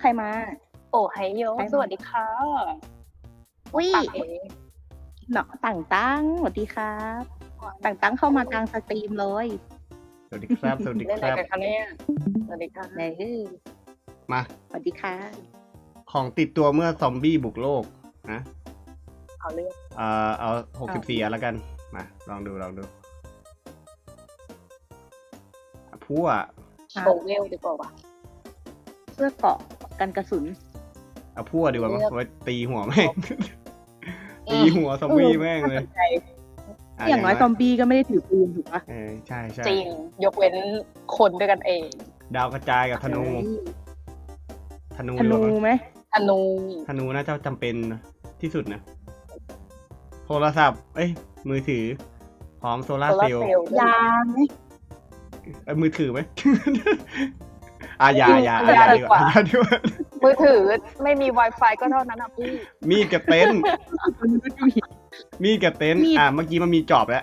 รมาโอ้ไฮโยใครมาสวัสดีค่ะอุ้ยปักเอ๋เนาะต่างตั้งสวัสดีครับต่างตั้งเข้ามากลางสตรีมเลยสวัสดีครับ สวัสดีเล่นคอะไรรับกันคะเนี่ยสวัสดีค่ะไหนมาสวัสดีค่ะของติดตัวเมื่อซอมบี้บุกโลกนะเอาเรื่องเอา64อันแล้วกัน มา ลองดูพั่วโชว์เวลดีกว่าว่ะเสื้อเกราะกันกระสุนเอาพั่วดีกว่ามั้งเลือกไว้ตีหัวแม่ง ตีหัวซอมบี้แม่งเลยน่าสนใจอย่างน้อยซอมบี้ก็ไม่ได้ถือปืนถูกปะใช่จริง ยกเว้นคนด้วยกันเองดาวกระจายกับธนู ธนูธดีกนูว่ามั้งไหมธนูธนูน่าจะจำเป็นที่สุดนะ โทรศัพท์ มือถือ พร้อมโซลาร์โซเซลาลล์เซลล์ยาไหมมือถือไหม ยาดีกว่ามือถือไม่มี Wi-Fi ก็เท่านั้นนะพี่มีดกับเต็นท์ มีดกับเต็นท์เมื่อกี้มันมีจอบแล้ว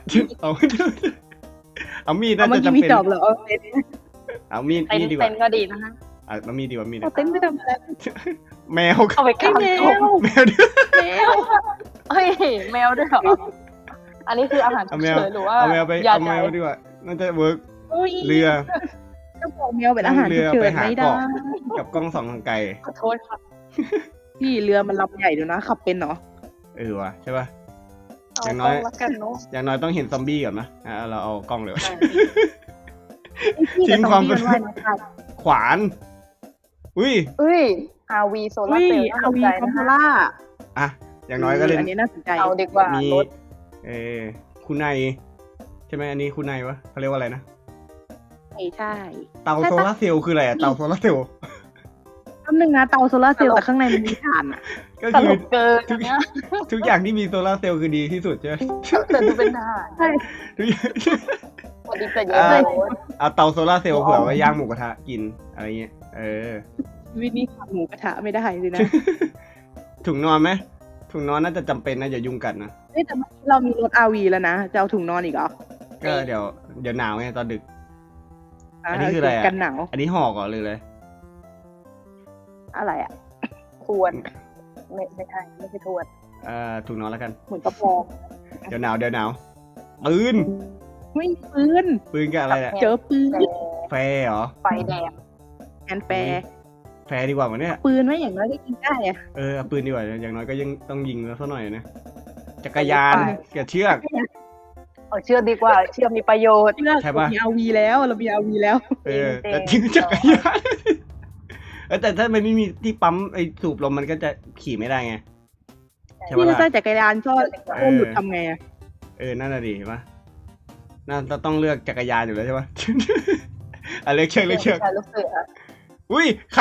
เอามีดน่าเมื่อจะกี้จำมีเป็นจอบเหรอเอาเต็นท์เอามีดเต็นดีกเต็ว่านก็ดีนะคะเอามีดดีกว่ามีดเอาเต็นท์ไปทำอะไรแมวเอาไปกางแมตัววแมวด้วยแมวเฮ้ยแมวด้วยเหรอ อันนี้คืออาหารฉุเอากแมวเฉินหรือว่าเอาแมวไปยาเอาใจแมวดีกว่าน่าจะเวิร์กโอ้ยเรือก็บอกแมวเป็นอาหารฉุกเฉินไม่ได้กับกล้องส่องทางไกลขอโทษค่ะพี่เรือมันลำใหญ่ดูนะขับเป็นเนาะว่ะใช่ป่ะเอาอย่างน้อยต้องรักกันเนาะอย่างน้อยต้องเห็นซอมบี้ก่อนนะเราเอากล้องเลยพี่ทิ้งความแต่ซอมบี้มันว่ายน้ำได้ขวานอุ้ย RV โซลาอุ้ร์ยเซลล์น่าเอาสนวีใจคอมนะโพคะล่าอย่างน้อยก็เล่นอันนี้น่าสนใจเอาดีกว่ามีรถคุณนายใช่ไหมอันนี้คุณนายวะเขาเรียกว่าอะไรนะใช่เตาโซลาร์เซลล์คืออะไรอะเตาโซลาร์เซลล์คำหนึ่งนะเตาโซลาร์เซลล์แต่ข้างในมันมีถ่านอ่ะก็ตคืลอกเกินทุกเนี่ยทุกอย่างที่มีโซลาร์เซลล์คือดีที่สุดใช่ไหมแต่ดูเป็นทหารใช่ทุกอย่างสวัสดีแต่เยอะอ่าเลยเอาเตาโซลาร์เซลล์เผื่อไว้ย่างหมูกระทะกินอะไรเงี้ยวินี่ขับหมูกระทะไม่ได้เลยนะถุงนอนไหมถุงนอนน่าจะจำเป็นนะอย่ายุงกัดนะเฮ้ยแต่เมื่อกี้เรามีรถอาวีแล้วนะจะเอาถุงนอนอีกเหรอก็เดี๋ยวหนาวไงตอนดึก อันนี้คืออะไรอะกันหนาวอันนี้ห่อก่อนเลยอะไรอ่ะทวนไม่ใช่ไม่ใช่ทวนถุงนอนแล้วกันเหมือนกระปองเดี๋ยวหนาวปืนไม่มีปืนปืนกับอะไรอะเจอปืนแฟร์เหรอไฟแดงแอนแฟร์แฟร์ดีกว่ามั้ยเนี่ยปืนไม่อย่างน้อยก็ยิงได้อะเอาปืนดีกว่าอย่างน้อยก็ยังต้องยิงแล้วสักหน่อยนะจักรยานกับเชือกเอาเชื่อดีกว่า เชื่อมีประโยชน์เลือกใช่เราปะมีอาวีแล้วเรามีอาวีแล้วแต่ทิ้งจักรยานแต่ถ้ามันไม่มีที่ปั๊มไอ้สูบลมมันก็จะขี่ไม่ได้ไงใช่พี่ปะจะล่ะใส่จักรยานก็หลุดทำไงอะนั่นน่ะดิเห็นปะน่าจะต้องเลือกจักรยานอยู่แล้วใช่ปะ เลือกเชือกใช่ลูกเสืออุ้ยใคร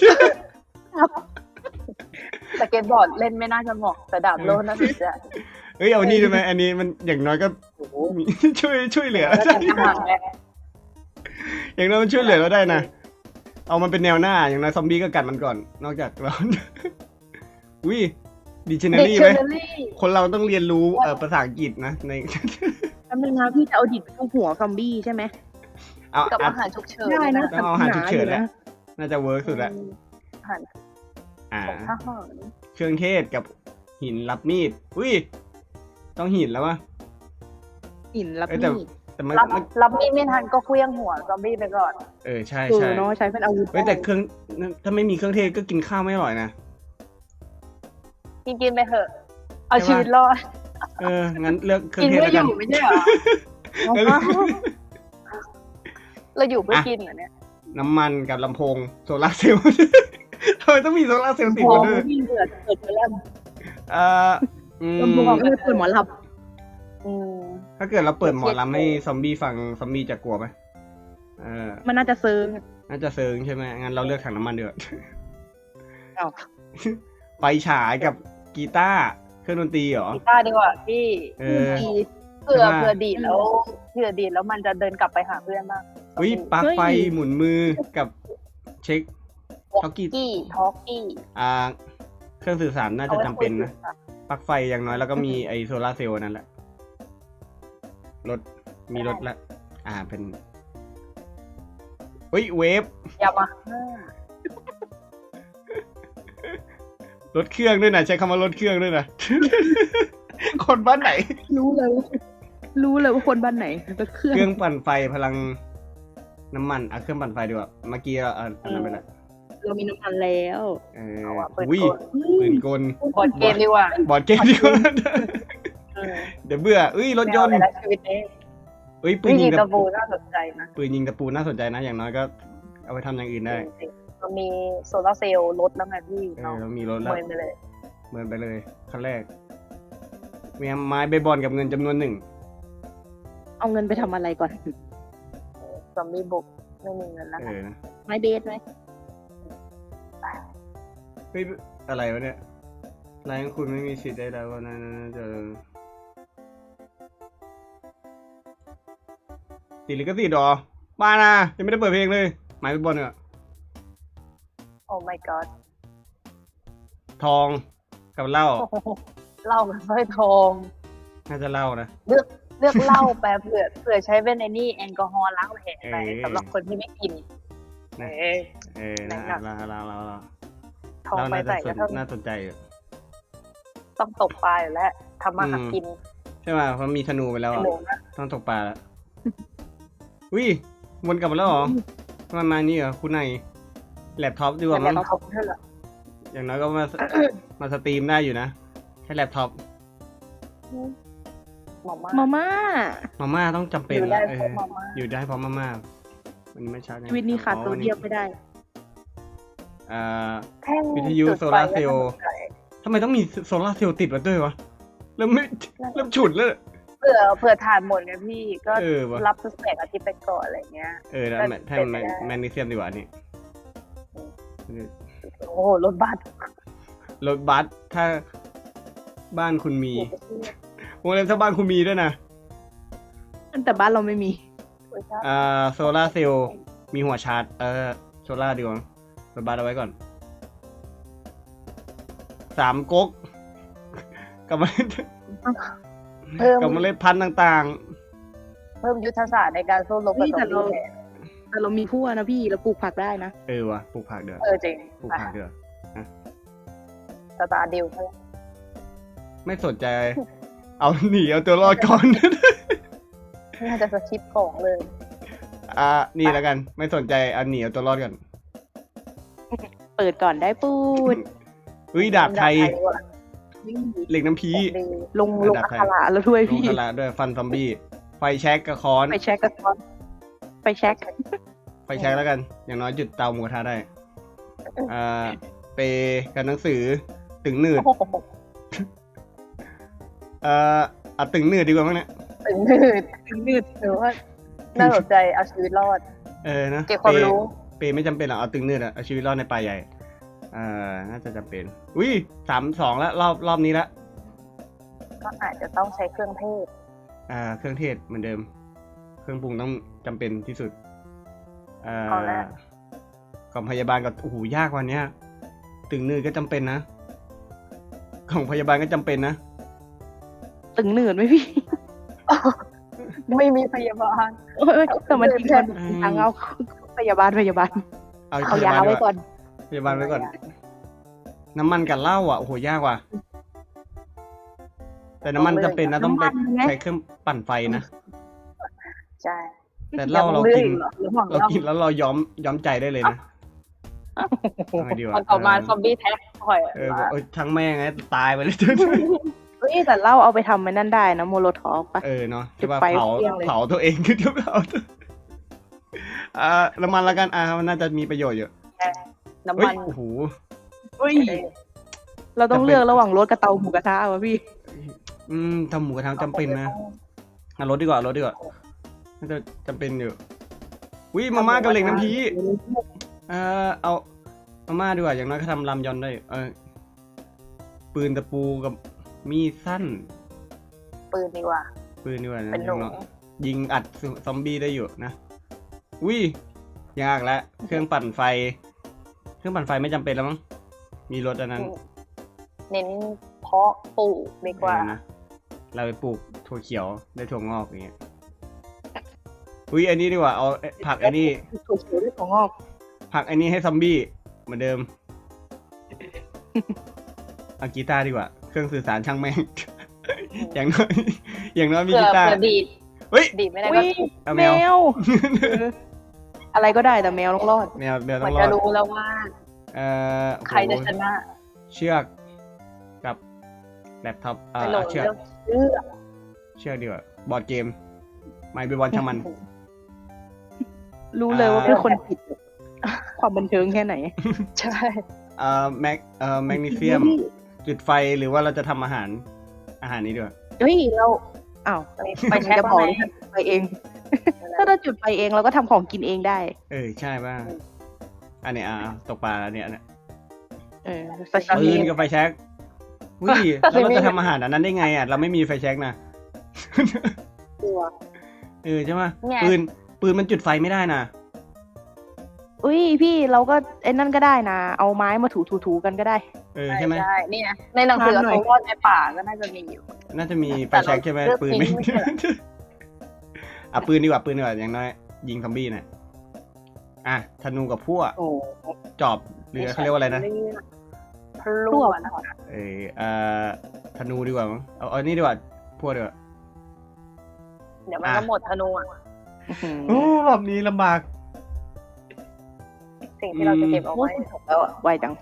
สเก็ตบอร์ดเล่นไม่น่าจะเหมาะแต่ดาบโลน่าสนใจเอานี่ได้ไหมอันนี้มันอย่างน้อยก็โอ้โหมีช่วยเหลือแล้วแต่ทหารไงอย่างน้อยมันช่วยเหลือเราได้นะเอามันเป็นแนวหน้าอย่างน้อยซอมบี้ก็กัดมันก่อน นอกจากเรา อุ้ยดิชันนารีไหม Dictionary คนเราต้องเรียนรู้ภาษาอังกฤษนะในแป๊บนึงนะพี่จะเอาดิบเข้าหัวซอมบี้ใช่ไหมเอากับอาหารฉุกเฉินได้นะต้องเอาอาหารฉุกเฉินหแหละนะน่าจะเวิร์กสุดละอาหารอ่าของทหารเครื่องเทศกับหินรับมีดอุ้ยต้องหินแล้ววะหินรับแต่มีดแต่มันรับมีดไม่ทันก็เคลี้ยงหัวซอมบี้ไปก่อนใช่เนาะใช้เป็นอาวุธแต่เครื่องถ้าไม่มีเครื่องเทศก็กินข้าวไม่อร่อยนะกินไปเถอะ เอาชีวิตรอดงั้นเลือกเครื่อกิงนเทศเพื่อแล้วอกันยู่ไม่ใช่เหรอ เราอยู่เพื่อกินเหรอเนี่ยน้ำมันกับลำโพงโซลาร์เซลล์ ทำไมต้องมีโซลาร์เซลล์ติดโอ้มาด้วยพี่เกิดไปแล้วอืลำโพงมเปิดหมอลอืมถ้าเกิดเราเปิดหมอลำให้ซอมบี้ฟังซอมบี้จะกลัวไหมำมันน่าจะเซิงน่าจะเซิงใช่ไหมงั้นเราเลือกถังน้ำมันเดือดอ้าวไฟฉายกับกีตาร์เครื่องดนตรีเหรอกีตาร์ดีกว่าพี่ดีเผื่อใช่ปะเผื่อดีดแล้วมันจะเดินกลับไปหาเพื่อนบ้างอุ้ยปลั๊กไฟหมุนมือกับเช็คท็อกกี้ทอกกี้เครื่องสื่อสารน่าจะจำเป็นนะปลั๊กไฟอย่างน้อยแล้วก็มีไอโซลาร์เซลล์นั่นแหละมีรถละเป็นอุ้ยเวฟยามารถเครื่องด้วยนะใช้คำว่ารถเครื่องด้วยนะ คนบ้านไหนรู้เลยว่าคนบ้านไหนรถเครื่องเครื่องปั่นไฟพลังน้ำมันเครื่องปั่นไฟดีกว่าเมื่อกี้อันนั้นไปละเรามีน้ำมันแล้วเอาอะปืนอุ้ยกลปืนกลบอร์ดเกมดีกว่าบอร์ดเกมดีกว่าเออเดี๋ยวเบื่อรถยนต์ไม่เอาเลยนะชีวิตนี้ปืวินยิธีงตะปูน่าสนใจนะปืนยิงตะปูน่าสนใจนะ อย่างน้อยก็เอาไปทำอย่างอื่นได้จริงๆเรามีโซลาร์เซลล์ลดแล้วไงพี่เนาะเรามีรถแล้วเมินไปเลยเมินไปเลยขั้นแรกมีไม้เบสบอลกับเงินจำนวนหนึ่งเอาเงินไปทำอะไรก่อนซอมบี้บุกไม่มีเงินแล้วนะนะไม้เบสไหมเฮ้ยอะไรวะเนี่ยรายของคุณไม่มีสิทธิ์ได้แล้วนะจะติดลิขสิทธิ์หรอบ้านะยังไม่ได้เปิดเพลงเลยไม้เบสบอลเนี่ยโอ้ my god ทองกับเหล้าเหล้ากับสร้อยทองน่าจะเหล้านะเลือกเหล้าแป๊บเผื่อใช้เป็นไอ้นี่แอลกอฮอล์ล้างแผลไปเออสำหรับคนที่ไม่กินนะเออนะหนักเราทองไปใส่ก็ต้องน่าสนใจอยู่ต้องตกปลาอยู่แล้วทำมาหากินใช่ไหมเพราะมีธนูไปแล้วขอ่ะนมนะต้องตกปลาแล้ววิวนกลับมาแล้วเหรอมันมานี่เหรอคุณนายแล็ปท็อปดีกว่าแต่มั้งเขาเท่าไหร่อย่างน้อยก็มาสตรีมได้อยู่นะแค่แล็ปท็อปหมอมามาม่ามาม่าต้องจำเป็นอยู่ได้เอเพอราะมาม่าอยู่ได้เพราะมาม่ามันไม่ชัดชีวิตนี้ขาดโซเดียมไม่ได้อ่าแท่งวิทยุจุดไฟโซลาร์เซลล์ก็น่าสนใจทำไมต้องมีโซลาร์เซลล์ติดมาด้วยวะเริ่มฉุดแล้วเผื่อถ่านหมดเนี่ยพี่ก็วะรับสเปกอาทิตย์ไปก่อนอะไรเงี้ยแล้วก็แท่เป็นไปได้แมกนีเซียมดีกว่านี่โอ้โหรถบัสรถบัสถ้าบ้านคุณมีวงเล็บถ้าบ้านคุณมีด้วยนะแต่บ้านเราไม่มีโซลาร์เซลล์มีหัวชาร์จโซลาร์ดีกว่ารถบัสเอาไว้ก่อน3 ก๊กกับเมล็ดเพิ่มกับเมล็ดพันธุ์ต่างเพิ่มยุทธศาสตร์ในการสู้รบกับนี่ซอแต่มเราบี้แทนแต่เรามีพั่วนะพี่เราปลูกผักได้นะๆว่ะปลูกผักเดือจริงปลูกผักเดือสตาร์ดิวเขาไม่สนใจ เอาหนีเอาตัวรอดก่อนน่าจะสคริปต์ของเลยนี่แล้วกัน ไม่สนใจเอาหนีเอาตัวรอดก่อนเปิดก่อนได้ปูดดาบไทยดีกว่าเหล็กน้ำพีดีลงอัคระแล้วด้วยลงพี่คาราด้วยฟันซอมบี้ไฟแช็กกับค้อนไปเช็คกันก่อนไปเช็คไฟแช็กแล้วกัน อย่างน้อยจุดเตาหมูกระทะได้ เปกับหนังสือตึงหนืดโอ้โหเอาตึงหนืดดีกว่ามั้งเนี่ยถึงนืดหรือว่าน่าสนใจเอาชีวิตรอดนะเก็บความรู้เปไม่จำเป็นหรอกเอาตึงหนืดอะเอาชีวิตรอดในป่าใหญ่น่าจะจำเป็น3-2แล้วรอบนี้ละก็อาจจะต้องใช้เครื่องเทศเครื่องเทศเหมือนเดิม เครื่องปรุงต้องจำเป็นที่สุดกล่องพยาบาลกับโอ้โหยากกว่านี้ตึงหนืดก็จำเป็นนะกล่องพยาบาลก็จำเป็นนะตึงหนืดไหมพี่ไม่มีพยาบาลแต่มันทิ้งมันทางเอาพยาบาลเอายาไว้ก่อนพยาบาลไว้ก่อน น้ำมันกับเหล้าโอ้โหยากว่ะแต่น้ำมันจำเป็นนะต้องไปใช้เครื่องปั่นไฟนะใช่แต่เหล้าเรากินระหว่างเราเรากินแล้วเราย้อมใจได้เลยนะทำไงดีวะตอนต่อมาซอมบี้แท็กถอยบอกทั้งแม่งไงตายไปเลยเฮ้ยแต่เหล้าเอาไปทำมันนั่นได้นะโมโลทอฟปะเนาะที่ว่าจุดไฟเผาเปรี้ยงเลยเผาตัวเองคือเผาตัวน้ำมันละกันมันน่าจะมีประโยชน์อยู่น้ำเฮ้ยมันโอ้โหเฮ้ยเราต้องเลือกระหว่างรถกับเตาหมูกระทะวะพี่ทำหมูกระทะจำเป็นนะรถดีกว่ารถดีกว่าน่าจะจำเป็นอยู่มาม่ากับเหล็กน้ำพีเอามาม่าดีกว่าอย่างน้อยก็ทำรามยอนได้ปืนตะปูกับมีดสั้นปืนดีกว่านะเป็นหนูยิงอัดซอมบี้ได้อยู่นะยากแล้วเครื่องปั่นไฟไม่จำเป็นแล้วมั้งมีรถอันนั้นเน้นเพาะปลูกดีกว่านะเราไปปลูกถั่วเขียวได้ถั่วงอกอย่างเงี้ยอันนี้ดีกว่าเอาผักอันนี้ถั่วเขียวด้วยของงอกผักอันนี้ให้ซอมบี้เหมือนเดิมเอากีตาร์ดีกว่าเครื่องสื่อสารช่างแม่ง อย่างน้อยอย่างน้อยมีเผื่กีอตาร์เผื่อดีดเฮ้ยดีดไม่ได้อุ๊ก็ยเอาแมแมววอะไรก็ได้แต่แมวต้องรอดแมวเหมืต้ออน งรจะอดรู้แล้วว่าโอ้โหใครจะชนะเชือกกับแล็ปท็อปไปโหลดเชือกเรื่องเชื่อเชือกดีกว่าบอร์ดเกมไม่เป็นบอลช่างมันรู้เลยว่าเป็นคนผิด ความบันเทิงแค่ไหนใช่แมกนีเซียมจุดไฟหรือว่าเราจะทำอาหารนี้ด้วยเฮ้ยเราอ้าวไปแช็คจะบว่าอกไงว่าจุดไฟเอง ถ้าเราจุดไฟเองเราก็ทำของกินเองได้ใช่ป่ะอันเนี้ยตกปลาแล้วเนี่ยซาชิปืมินกับไฟแช็กวิแล้วเราจะทำอาหารอันนั้นได้ไงเราไม่มีไฟแช็กนะตัวใช่ไหมไงปืนมันจุดไฟไม่ได้นะอุ้ยพี่เราก็ไอ้นั่นก็ได้นะ เอาไม้มาถูๆกันก็ได้ใช่ไหมใช่นี่ไงในหนังสือทานหน่อยเขาวาดในป่าก็น่าจะมีอยู่น่าจะมีไฟแต่เราแช็กใช่ไหมเลือกปืนไม่ทิ้งไม่ใช่เหรอปืนดีกว่าอย่างน้อยยิงซอมบี้น่ะธนูกับพวกโอ้จอบหรือเขาเรียกว่าอะไรนะพลวดนะธนูดีกว่ามั้งเอานี่ดีกว่าพวกดีกว่าเดี๋ยวมันก็หมดธนูอ่ะรอบนี้ลำบากสิ่งที่เราจะเก็บเอาโอ้ไว้ยแล้วอะไวจัง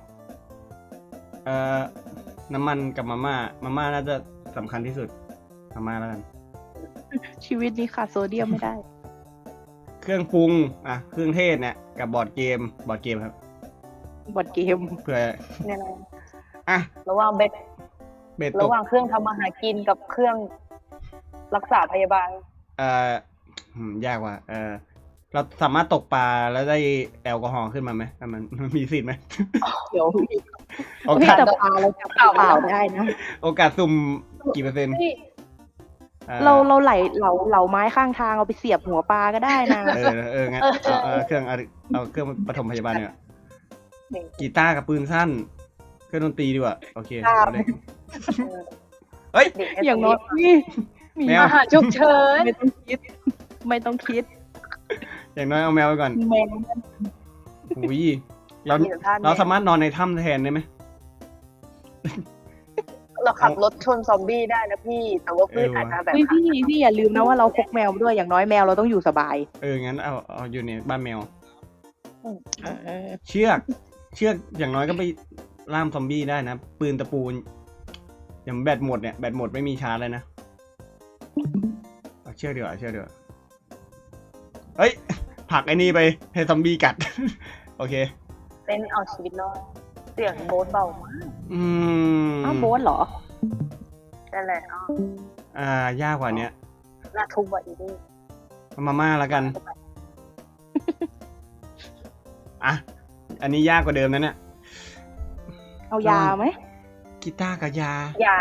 น้ำมันกับมาม่าน่าจะสำคัญที่สุดมาม่าแล้วกันชีวิตนี้ขาดโซเดียมไม่ได้เครื่องปรุงเครื่องเทศเนี่ยกับบอร์ดเกมครับบอดเกมเผื่อเนี่ยนะอ่ะระหว่างเบ็ดเบ็ดตระกหว่างเครื่องทำอาหารกินกับเครื่องรักษาพยาบาลยากว่ะเราสามารถตกปลาแล้วได้แอลกอฮอล์ขึ้นมาไหมมันมีสิทธิ์ไหมเดี๋ยวโอพี่กาสแต่ปลาเราจับเปล่าได้นะโอกาสสุ่มกี่เปอร์เซ็นต์เราเหลาไม้ข้างทางเอาไปเสียบหัวปลาก็ได้นะงั้นเอาเครื่องปฐมพยาบาลเนี่ยกีตาร์กับปืนสั้น เครื่องดนตรีดีกว่าโอเคเอาเลยเฮ้ยอย่างน้อยนี่มีแมวอาหารฉุกเฉินไม่ต้องคิด ไม่ต้องคิดอย่างน้อยเอาแมวไปก่อนแมวอุ้ยเราสามารถนอนในถ้ำแทนได้ไหมเราขับรถชนซอมบี้ได้นะพี่ แต่ว่าพืชอาจจะแบบเฮ้ยพี่อย่าลืมนะว่าเราพกแมวมาด้วยอย่างน้อยแมวเราต้องอยู่สบายงั้นเอาอยู่ในบ้านแมวเออเชือกอย่างน้อยก็ไปล่ามซอมบี้ได้นะ ปืนตะปูอย่างแบตหมดเนี่ยแบตหมดไม่มีชาร์จเลยนะเอาเชือกดีกว่าเฮ้ยผลักไอ้นี่ไปให้ซอมบี้กัด โอเคเป็นเอาชีวิตรอดเสียงโบ๊ทเบามากอ้าวโบ๊ทเหรอนั่นแหละยากกว่าเนี้ยน่าทุบว่ะอีนี่เอามาม่าแล้วกัน อันนี้ยากกว่าเดิมนะเนี่ยเอายาไหมกีตาร์กับยาอย่า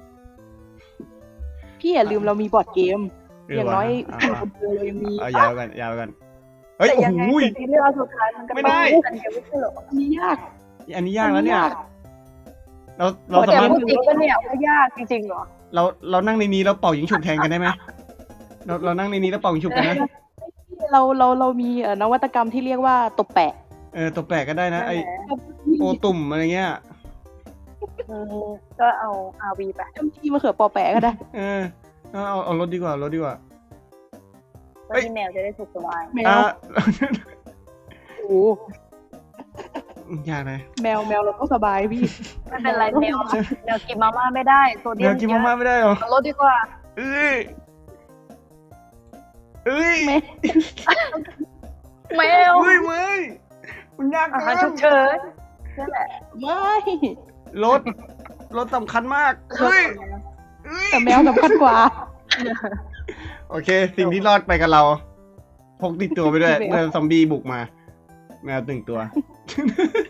พี่อย่าลืมเรามีบอร์ดเกมหรือย่างน้อยว่าสิ่งคนเดียวเรายังมีเอายาวกันเฮ้ยแต่โอ้ยังไงโหสิ่งที่เลือกสุดท้ายมันก็ไม่ได้อันเดียวไม่ใช่เหรออันนี้ยากอันนี้ยากแล้วเนี่ย เราแต่สามารถพูดจริงก็เนี่ยว่ายากจริงๆเหรอเรานั่งในนี้แล้วเป่ายิงฉุบแทนกันได้ไหมเรานั่งในนี้แล้วเป่ายิงฉุบกันนะเรามีนวัตกรรมที่เรียกว่าตบแปะตัวแปลกก็ได้นะไอนั่นแหละโอตุ่มอะไรเงี้ยก็เอา RV ไปจำที่มะเขือปอแปะก็ได้เอารถดีกว่าแล้วที่แมวจะได้สุขสบายแมวโอ้ยากนะแมวเราต้องสบายพี่ไม่เป็นไรแมวกินมาม่าไม่ได้โซเดียแมมวกินมาม่าไม่ได้หรอเอารถดีกว่าเอ้ยแมวเฮ้ยมันยากอาเกิหารฉุนกเฉินนั่นแหละไม่รถสำคัญมากเฮ้ยแต่แมวสำคัญกว่าโอเค สิ่งที่รอดไปกับเราพกติดตัวไปด้วยแมวเมื่อซอมบี้บุกมา แมว1 ตัว